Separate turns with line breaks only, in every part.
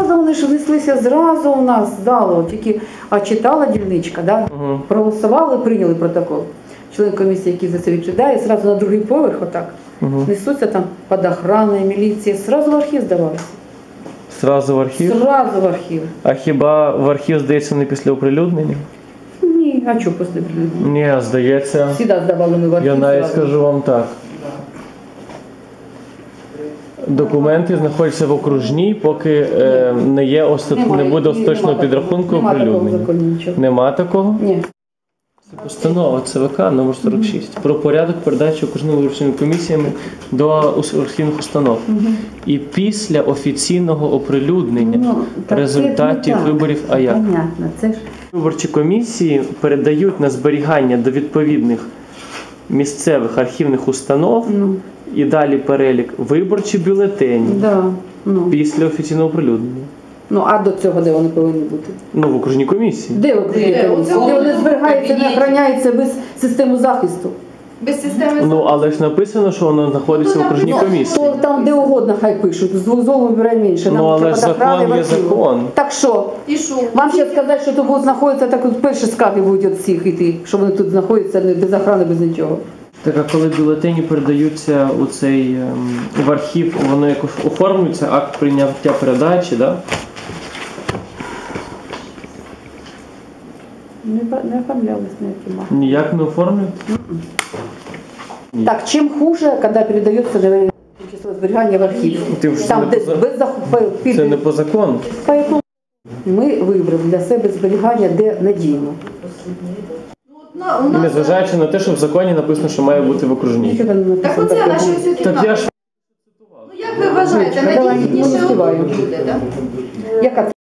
зразу вони ж внеслися, зразу у нас з залу, тільки, а читала дільничка, да? Проголосували, прийняли протокол. Член комісії, який за це відповідає, зразу на другий поверх отак. Несуться там під охраною, міліція, зразу в архів здавалися.
Зразу в архів?
Зразу в архів.
А хіба в архів, здається, не після оприлюднення?
Ні, а чого після оприлюднення?
Ні, здається.
Всіда здавали ми в архів.
Я навіть
зразу.
скажу вам так. Документи знаходяться в окружній, поки не буде остаточного підрахунку оприлюднення. Нема такого?
Ні.
Це постанова ЦВК номер 46 про порядок передачі окружними виборчими комісіями до архівних установ. І після офіційного оприлюднення результатів виборів, а як?
Понятно, це ж...
Виборчі комісії передають на зберігання до відповідних місцевих архівних установ і далі перелік виборчі бюлетені після офіційного оприлюднення.
Ну, а до цього де вони повинні бути?
Ну, в окружній комісії.
Де окружні комісії? Де вони зберігаються, не охороняються без системи захисту?
Без системи захисту?
Ну, але ж написано, що воно знаходиться в окружній комісії.
То там де угодно хай пишуть, з золу вибирає менше.
Ну, але ж закон є закон.
Так що?
І що?
Вам ще сказати, що тут будуть знаходитися, так от перші скарги будуть від всіх йти, що вони тут знаходяться без охорони, без нічого.
Так, а коли бюлетені передаються в архів, воно якось оформлюється, акт прийняття передачі, так?
Не оформлялось ніяким актом.
Ніяк не оформлюється?
Так, чим хуже, коли передается тимчасове зберігання в архів. Там, де
це не по закону.
Ми вибрали для себе зберігання, де надійно.
Незважаючи на те, що в законі написано, що має бути в окружній.
Так оце на що все
Так я ж...
Ну як ви вважаєте, надійніше буде, так?
Яка це?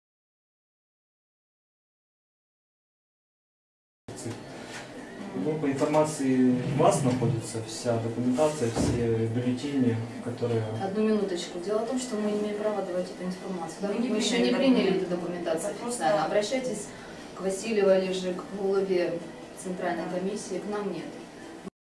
Ну, по информации вас находится вся документация, все бюллетени, которые...
Одну минуточку. Дело в том, что мы имеем право давать эту информацию. Мы еще не приняли эту документацию официально. Обращайтесь к Васильевой или же к главе Центральной комиссии, к нам нет.